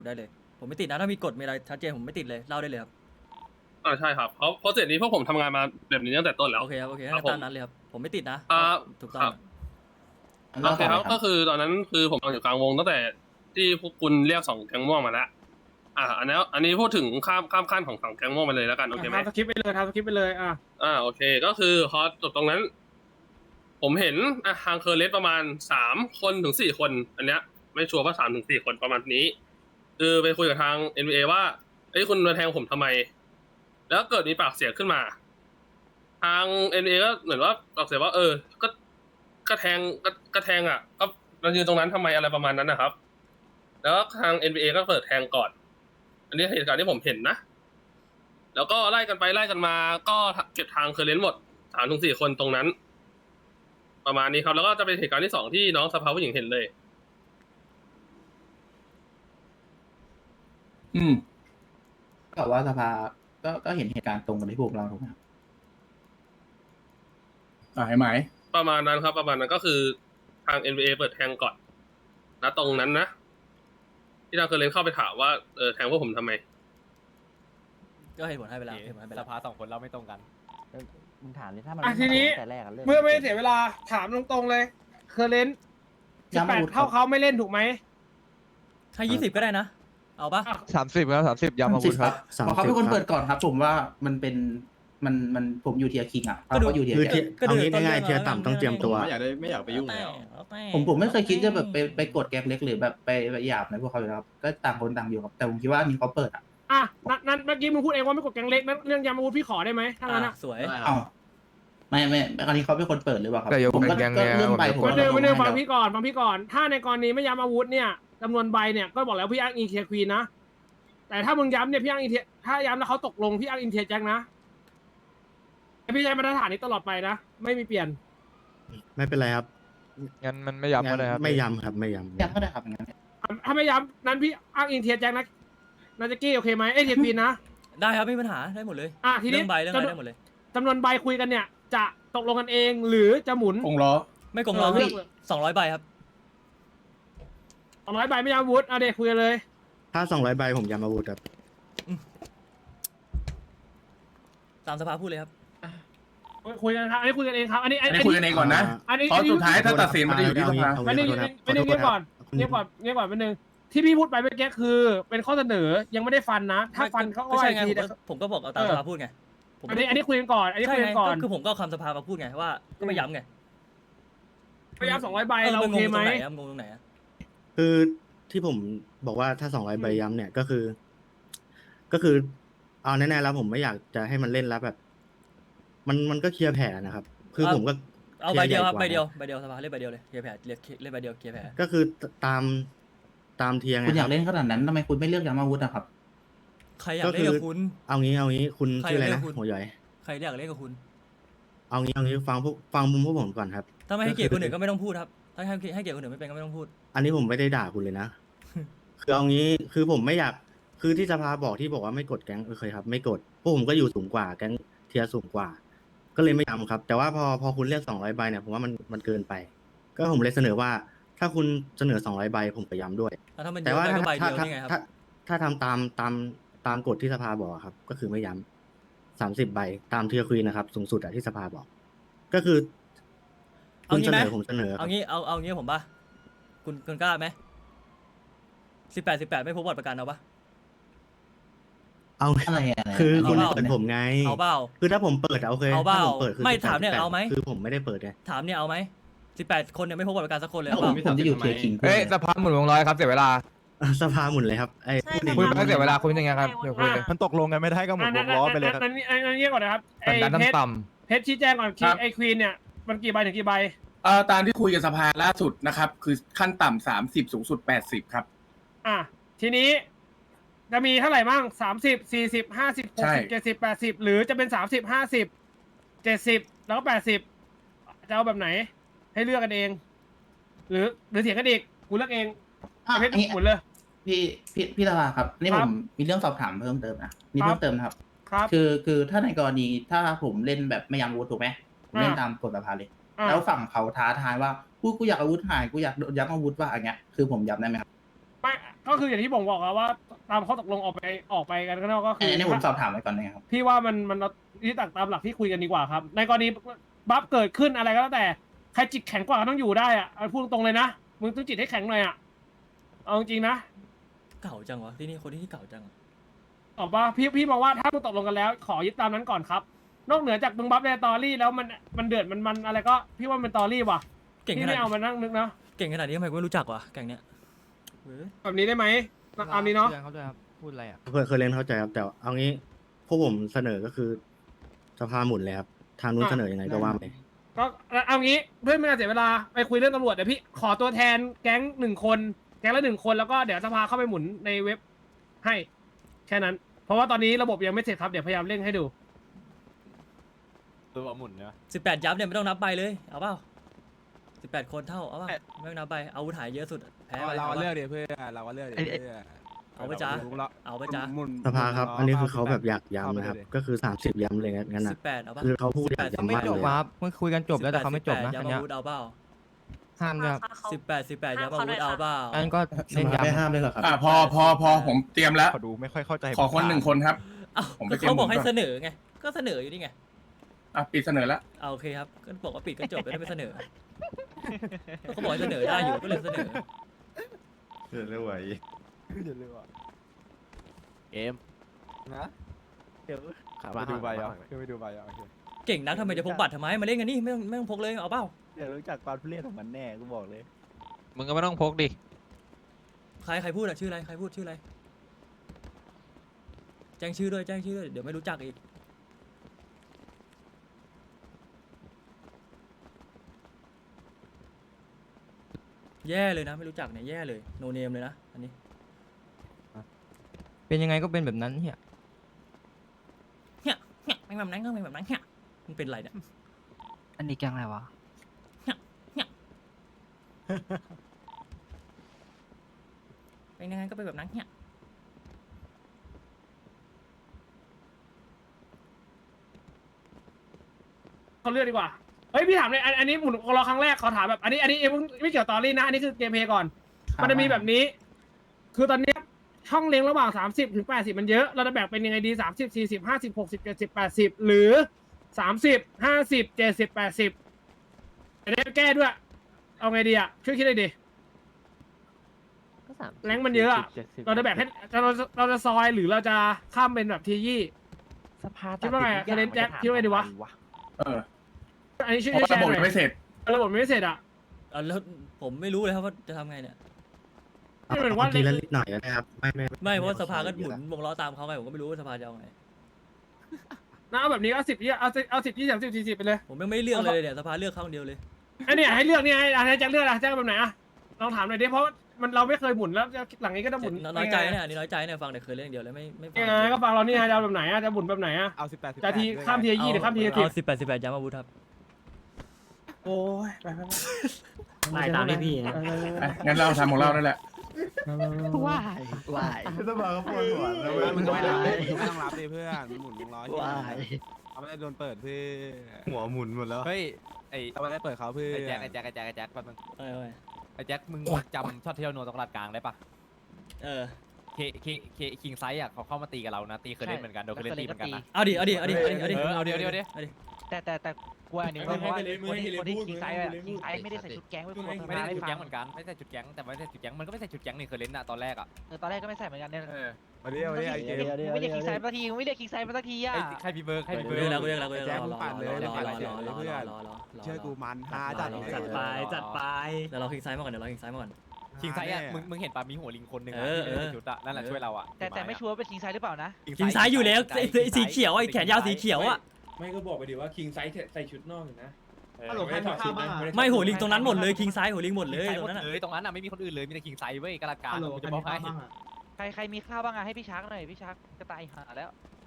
ได้เลยผมไม่ติดนะถ้ามีกฎมีอะไรชัดเจนผมไม่ติดเลยเล่าได้เลยครับใช่ครับเพราะเสร็จนี้พวกผมทำงานมาแบบนี้ตั้งแต่ต้นแล้วโอเคครับโอเคครังั้บนผตาม มนั้นเลยครับผมไม่ติดนะอ่าก็ถูกต้องครับ โอเล่าเคต่อคเลรับยครัก็บคือตอนนั้นคือผมนอนอยู่กลางวงตั้งแต่ที่พวกคุณเรียก2แก๊งม่วงมาแล้วอันนี้พูดถึงข้ามขั้นของ2แก๊งม่วงไปเลยแล้วกันโอเคไหมทำสคริปต์ไปเลยโอเคก็คือพอจบตรงนั้น ผมเห็นทางเคอร์เรสประมาณ3 คนถึง4 คน อันเนี้ยไม่ชัวร์ว่า3 ถึง 4 คนประมาณนี้ คือไปคุยกับทาง NBA ว่าเอ้ยคุณมาแทงผมทำไม แล้วเกิดมีปากเสียงขึ้นมา ทาง NBA ก็เหมือนว่าปากเสียงว่าก็แทงก็เรายืนตรงนั้นทำไมอะไรประมาณนั้นนะครับ แล้วทาง NBA ก็เปิดแทงก่อน อันนี้เหตุการณ์ที่ผมเห็นนะ แล้วก็ไล่กันไปไล่กันมาก็เก็บทางเคอร์เรนต์หมด3 ถึง 4 คนตรงนั้น ประมาณนี้ครับ แล้วก็จะเป็นเหตุการณ์ที่2ที่น้องสภาผู้หญิงเห็นเลยก็ว่าสภาก็เห็นเหตุการณ์ตรงกับที่พวกเราถูกไหมครับให้ไหมประมาณนั้นครับประมาณนั้นก็คือทาง NBA เปิดแทงก่อนนะตรงนั้นนะที่ทางเคอร์เรนต์เข้าไปถามว่าแทงพวกผมทำไมก็เหตุผลให้ไปแล้วเหตุผลให้ไปสแล้วภา2 คนเราไม่ตรงกันมึงถามดิถ้ามันทีนี้แต่แรกอะเรื่องเมื่อไม่เสียเวลาถามตรงๆเลยเคอร์เรนต์18เท่าเขาไม่เล่นถูกไหมให้20ก็ได้นะเอาปะ 30ครับ30ย้ำอาวุธครับเพราะเขาเป็นคนเปิดก่อนครับ ผมว่ามันเป็นมันผมอยู่เทียร์คิงอ่ะเขาก็อยู่เทียร์คือแจ็คก็เอาดูงี้ต้นง่ายเรื่องๆเทียร์ต่ำต้องเตรียมตัวไม่อยากไปยุ่งแล้แล้ว วแต่ผมไม่เคยคิดจะแบบไปกดแก๊งเล็กหรือแบบไปหยาบในพวกเขาอยู่แล้วครับก็ต่างคนต่างอยู่ครับแต่ผมคิดว่านี่เขาเปิดอ่ะนั้นเมื่อกี้มึงพูดเองว่าไม่กดแกงเล็กนั้นเรื่องยามาวูดพี่ขอได้ไหมถ้างั้นสวยเอ้าไม่คราวนี้เขาเป็นคนเปิดหรือเปล่าครับแต่อย่าผมก็แก๊งเนี่ยเรื่องใบผมวันหนึ่งก็ฟังพี่ก่อนถ้าในกรณีไม่ย้ำอาวุธเนี่ยจำนวนใบเนี่ยก็บอกแล้วพี่อ้างอินเทียควีนนะแต่ถ้ามึงย้ำเนี่ยพี่อ้างอินเทียถ้าย้ำแล้วเขาตกลงพี่อ้างอินเทียแจ็คนะพี่ใช้มาตรฐานนี้ตลอดไปนะไม่มีเปลี่ยนไม่เป็นไรครับงั้นมันไม่ย้ำก็ได้ครับไม่ย้ำครับไม่ย้ำยังก็ได้ครับอย่างนั้นถ้าไม่ย้ำนั้นพี่อ้างอินเทียแจ็คนะนาจะกี้โอเคไหมเทียควีนนะได้ครับไม่มีปัญหาได้หมดเลยทีนี้เรื่องใบเรื่องอะไรได้หมดเลยจำนวนใบคุยกันเนี่ยจะตกลงกันเองหรือจะหมุนคงล้อไม่โกงเราเลือก 200ใบครับ 200ใบไม่ย้ำอาวุธเอาเด็กคุยกันเลยถ้า200ใบผมย้ำอาวุธครับตามสภาพูดเลยครับคุยกันครับอันนี้คุยกันเองครับอันนี้อันนี้คุยกันเองก่อนนะอันนี้เพราะสุดท้ายถ้าตัดสินมันจะอยู่ที่สภาไม่ได้ไม่ได้เงียบก่อนเงียบก่อนเป็นหนึ่งที่พี่พูดไปเมื่อกี้คือเป็นข้อเสนอยังไม่ได้ฟันนะ ถ้าฟันเขาก็ไม่ว่าใช่อีกไงทีแต่ผมก็บอกเอาตามสภาพูดไงผมอันนี้คุยกันก่อนอันนี้ใช่คุยไงกันก่อนก็คือผมก็เอาคำสภามาพูดไงว่าก็ไม่ย้ำไงพยายาม200ใบเราโอเคไหมงงตรงไหนอะคือที่ผมบอกว่าถ้า200ใบย้ำเนี่ยก็คือเอาแน่ๆแล้วผมไม่อยากจะให้มันเล่นแล้วแบบ มันก็เคลียร์แผลนะครับ คือผมก็เอาใบเดียวครับคใบลีเดียยวร์ใหญ่กว่าใบเดียวสภาเล่นใบเดียวเลยเคลียร์แผลเล่นใบเดียวเคลียร์แผลก็คือตามเทียร์ไงคุณอยาคกรับเล่นขนาดนั้นทำไมคุณไม่เลือกย้ำอาวุธนะครับใครอยากเล่นกับคุณเอางี้คุณใครชื่ออะไรเรียนะกคุณหัวใหญ่ใครอยากเล่นกับคุณเอางี้ฟังมุมพวกผมก่อนครับถ้าไม่ให้เกียรติคนอื่นก็ไม่ต้องพูดครับถ้าให้เกียรติคนอื่นไม่เป็นก็ไม่ต้องพูดอันนี้ผมไม่ได้ด่าคุณเลยนะ คือเอางี้คือผมไม่อยากคือที่สภาบอกที่บอกว่าไม่กดแก๊งเคยครับ ไม่กดพวกผมก็อยู่สูงกว่าแก๊งเทียร์สูงกว่า ก็เลยไม่ย้ำครับ แต่ว่าพอคุณเรียก200ใบเนี่ยผมว่ามันเกินไป ก็ผมเลยเสนอว่า ถ้าคุณเสนอ200ใบผมก็ย้ำด้วยถ้ามันเยแต่อะว่าไปถ้าก็ใบถ้าเดียวนี่ไงครับถ้าทำตามกฎที่สภาบอกครับ ก็คือไม่ย้ำ30ใบตามเทียร์ควีนนะครับ สูงสุดอะที่สภาบอก ก็คือคุณเสนอผมเสนอครับเอางี้ผมป่ะคุณกล้าไหม18ไม่พบบัตรประกันเอาปะเอาอะไรอะไรคือคุณเอาเปล่าเปิดผมไงเอาเปล่าคือถ้าผมเปิดโอเคเอาเปล่าถ้ผมเปิดคือไม่ 18 ถามเนี่ยเอาไหมคือผมไม่ได้เปิดไงถามเนี่ยเอาไหม18คนเนี่ยไม่พบบัตรประกันสักคนเลยแล้วเอาผเปมล่าจะอยู่เทียร์คิงเอ้ยสภาหมุนวงร้อยครับเสียเวลาสภาหมุนเลยครับไอ้ใช่พูดอย่างคุยนี้ไปเสียเวลาคุยยังไงครับเดี๋ยวคุยเลยมันตกลงกันไม่ได้ก็หมดวงล้อไปเลยครับนั่นเงียบก่อนนะครับไอ้สันดานเพชรต่ำเพชรชี้แจงก่อนไอ้ควีนเนี่ยมันกี่ใบถึงกี่ใบตามที่คุยกับสภาล่าสุดนะครับ คือขั้นต่ำ30สูงสุด80ครับทีนี้จะมีเท่าไหร่บ้าง30 40 50 ใช่ 60 70 80หรือจะเป็น30 50 70แล้วก็80จะเอาแบบไหน ให้เลือกกันเอง หรือเถียงกันอีกกูเลือกเองไอ้เพชรหมุนเลยพี่ตาลาครับนี่คผรับมมีเรื่องสอบถามเพิ่มเติมนะมีเพิ่มเติมนะครับครับคือถ้าในกรณีถ้าผมเล่นแบบไม่ย้ำอาวุธถูกไหมผมเล่นตามกฎสภาเลย แล้วฝั่งเขาท้าทายว่ากูอยากอาวุธหายกูอยากย้ำอาวุธว่าอย่างเงี้ยคือผมย้ำได้ไหมครับไม่ก็ก็คืออย่างที่ผมบอกอะว่าตามข้อตกลงออกไปกันข้างนอกก็คืออันนี้ผมสอบถามไว้ก่อนนะครับพี่ว่ามันที่ตามหลักที่คุยกันดีกว่าครับในกรณีบัฟเกิดขึ้นอะไรก็แล้วแต่ใครจิตแข็งกว่าก็ต้องอยู่ได้อะเอาพูดตรงๆเลยนะมึงต้องจิตให้แข็งหน่อยอะเอาจริงๆนะเก่าจังวะที่นี่คนที่เก่าจังอะตอบว่าพี่มองว่าถ้ามึงตกลงกันแล้ว ขอยึดตามนั้นก่อนครับ นอกเหนือจากมึงบัฟในตอรี่แล้วมันเดือดมันอะไรก็พี่ว่ามันตอรี่ว่ะเก่งขพี่นาดไม่เอามานั่งนึกนะเก่งขนาดนี้ทำไมกูไม่รู้จักวะแก๊งเนี้ยเว้ยแบบนี้ได้ไหมตามนี้เนาะเขาด้วยครับพูดอะไรอ่ะเคยเล่นเข้าใจครับ แต่เอางี้พวกผมเสนอก็คือสภาหมุนเลยครับทางนู้นเสนอยังไงก็ว่าไปก็เอางี้เพื่อไม่ให้เสียเวลาไปคุยเรื่องตำรวจเดี๋ยวพี่ขอตัวแทนแก๊ง1 คนแก๊งละ1 คนแล้วก็เดี๋ยวสภาเข้าไปหมุนในเว็บให้แค่นั้น เพราะว่าตอนนี้ระบบยังไม่เสร็จครับเดี๋ยวพยายามเร่งให้ดูตัวหมุนเนาะ 18 ยับเนี่ยไม่ต้องนับใบเลยเอาเปล่า18 คนเท่าเอาเปล่าไม่ต้องนับใบอาวุธหายเยอะสุดแพ้ไปเราก็เอาเลือกปะดิเพื่อนเราก็เลือกดิเพื่อนเอาไปจ้าเอาไปจ้าสภาครับ อันนี้คือเขาแบบอยากย้ำนะครับ ก็คือ30ย้ำเลยงั้นนะ 18เอาปะคือเขาพูดอยาก 18 ย้ำไม่มากจเลบยครับเมื่อคุยกันจบแล้วแต่เขาไม่จบนะ 18 อันย้ำเนี้ยอาวุธเอาเปล่าห้ามด้วยครับ 18 ย้ำอาวุธเอาเปล่าอันก็สเล่นภาไม่ย้ำห้ามเลยเหรอครับพอผมเตรียมแล้วขอดูไม่ค่อยเข้าใจขอคน1 คนครับเอ้าผมไปก็เตรียมเขาบอกให้หมุนก่อนเสนอไงก็เสนออยู่นี่ไงปิดเสนอแล้วเอาโอเคครับก็บอกว่าปิดก็จบไม่ได้ไปเสนอก็เขาบอกให้เสนอได้อยู่ก็เลยเสนอเดี๋ยวเลยว่ะเกมนะเดี๋ยวไปดูใบอ่ะไปดูใบอ่ะโอเคเก่งนักทำไมจะพกบัตรทำไมมาเล่นกันนี่ไม่ต้องพกเลยเอาเปล่าเดี๋ยวรู้จักความทุเรศของมันแน่กูบอกเลยมึงก็ไม่ต้องพกดิใครพูดอะชื่ออะไรใครพูดชื่ออะไรแจ้งชื่อด้วยเดี๋ยวไม่รู้จักอีกแย่เลยนะไม่รู้จักเนี่ยแย่เลยโนเนมเลยนะอันนี้เป็นยังไงก็เป็นแบบนั้นเฮียเนี่ยไม่แบบนั้นก็ไม่แบบนั้นเนี่ยมันเป็นไรเนี่ยอันนี้แกงอะไรวะเป็นยังไงก็เป็นแบบนั้นเนี่ยเขาเลือกดีกว่า เฮ้ยพี่ถามเลยอันนี้หมุนรอครั้งแรกขอถามแบบอันนี้ไม่เกี่ยวตอรี่นะ อันนี้คือเกมเพลย์ก่อน มันจะมีแบบนี้ คือตอนเนี้ยช่องเลี้ยงระหว่าง30 ถึง 80 มันเยอะ เราจะแบ่งเป็นยังไงดี30 40 50 60 70 80 หรือ30 50 70 80จะได้แก้ด้วย เอาไงดีอ่ะช่วยคิดเลยดิ แรงมันเยอะอะ เราจะแบ่งให้เราจะซอยหรือเราจะข้ามเป็นแบบทียี่สภาคิดว่าไงอะเล่นแจ็คคิดว่าไงดีวะ อันนี้ช่วยเพราะแชระร์บบหน่ยังอยไม่เสร็จระบบไม่เสร็จอ่ะแล้วผมไม่รู้เลยครับว่าจะทำไงเนี่ยไม่เหมือนว่าทีละนิดหน่อยนะครับไม่เพราะสภาก็หมุนวงล้อตามเขาไงผมก็ไม่รู้ว่าสภาจะเอาไงนะเอาแบบนี้เอา10เอา10 20 30 40ไปเลยผมยังไม่เลือกเลยเนี่ยสภาเลือกข้างเดียวเลยไอ้เนี่ยให้เลือกเนี่ยให้แจ็คเลือกอะแจ็คแบบไหนอะลองถามหน่อยดิเพราะมันเราไม่เคยหมุนแล้วหลังนี้ก็ต้องหมุนน้อยใจเนี่ยอันนี้น้อยใจเนี่ยฟังแต่เคยเล่นอย่างเดียวเลยไม่ฟังยังไงก็ฟังเรานี่ไงจะเอาแบบไหนอะจะหมุนแบบไหนอะเอา18 จะทีข้ามทียี่หรือข้ามทีสิบเอา18 ย้ำอาวุธครับโอ้ยไปไปตามที่พี่นะงั้นเราทำของเรานั่นแหละว้ายสภาก็ปวดหัวแล้วมึงก็ไม่รับไม่ต้องรับดิเพื่อนหมุนวงล้อว้ายเอาไม่ได้โดนเปิดเพื่อหัวหมุนหมดแล้วเฮ้ยเอาไม่ได้เปิดเขาเพื่อไอ้แจ็คแจ็คแป๊บนึงเออไอ้แจ็คมึงจำช็อตเที่ยวโนตรงลาดกลางได้ปะเออคิงไซส์อ่ะเขาเข้ามาตีกับเรานะตีเคยเล่นเหมือนกันโดนเคยเล่นตีเหมือนกันนะเอาดิเออเอาเดี๋ยวแต่กลัวอันนี้เพราะว่าคนที่คิงไซด์อะคิงไซด์ไม่ได้ใส่ชุดแก๊งไว้พวกไม่ได้ให้ชุดฟัแก๊งงเหมือนกันไม่ใช่ชุดแก๊งแต่ไม่ใช่ชุดแก๊งมันก็ไม่ใช่ชุดแก๊งนี่เคยเล่นอะตอนแรกอะตอนแรกก็ไม่ใส่เหมือนกันเนี่ยมาดิเอาดิไอ้เกมไม่เรียกคิงไซด์มาทีไม่เรียกคิงไซด์มาสักทีอ่ะใครพี่เบิร์กใครพี่กูเบิเรีร์ยกกแล้วกูเรียกแล้วกูเรียกแล้วรอเชื่อกูมันฮาจัดจัดไปเดี๋ยวเราคลิกซ้ายมาก่อนเดี๋ยวเราคลิกซ้ายมาก่อนคิงไซส์อ่ะมึงเห็นปะมีหัวลิงคนหนึ่งอะเออที่ไม่ใส่ชุดอะนั่นแหละช่วยเราอะแต่ไม่ชัวร์เป็นคิงไซด์หรือเปล่านะคลิกซ้ายอยู่แล้วสีเขียวไอ้แขนยาวสีเขียวอ่ะไม่ก็บอกไปดิว่าคิงไซส์ใส่ชุดนอกอยู่นะฮัลโหลใครถอดชุดบ้างไม่หัวลิงตรงนั้นหมดเลยคิงซ้ายหัวลิงหมดเลยคิงไซส์ตหรมงดนั้นเลยตรงนั้นอะไม่มีคนอื่นเลยมีแต่คิงไซส์เว้ยกระดาษกลางฮัลโหลกูใครจะบมีอกให้ข้าวบ้างอะใครมีข้าวบ้างอะให้พี่ชักหน่อยพี่ชักจะตายหาแล้ว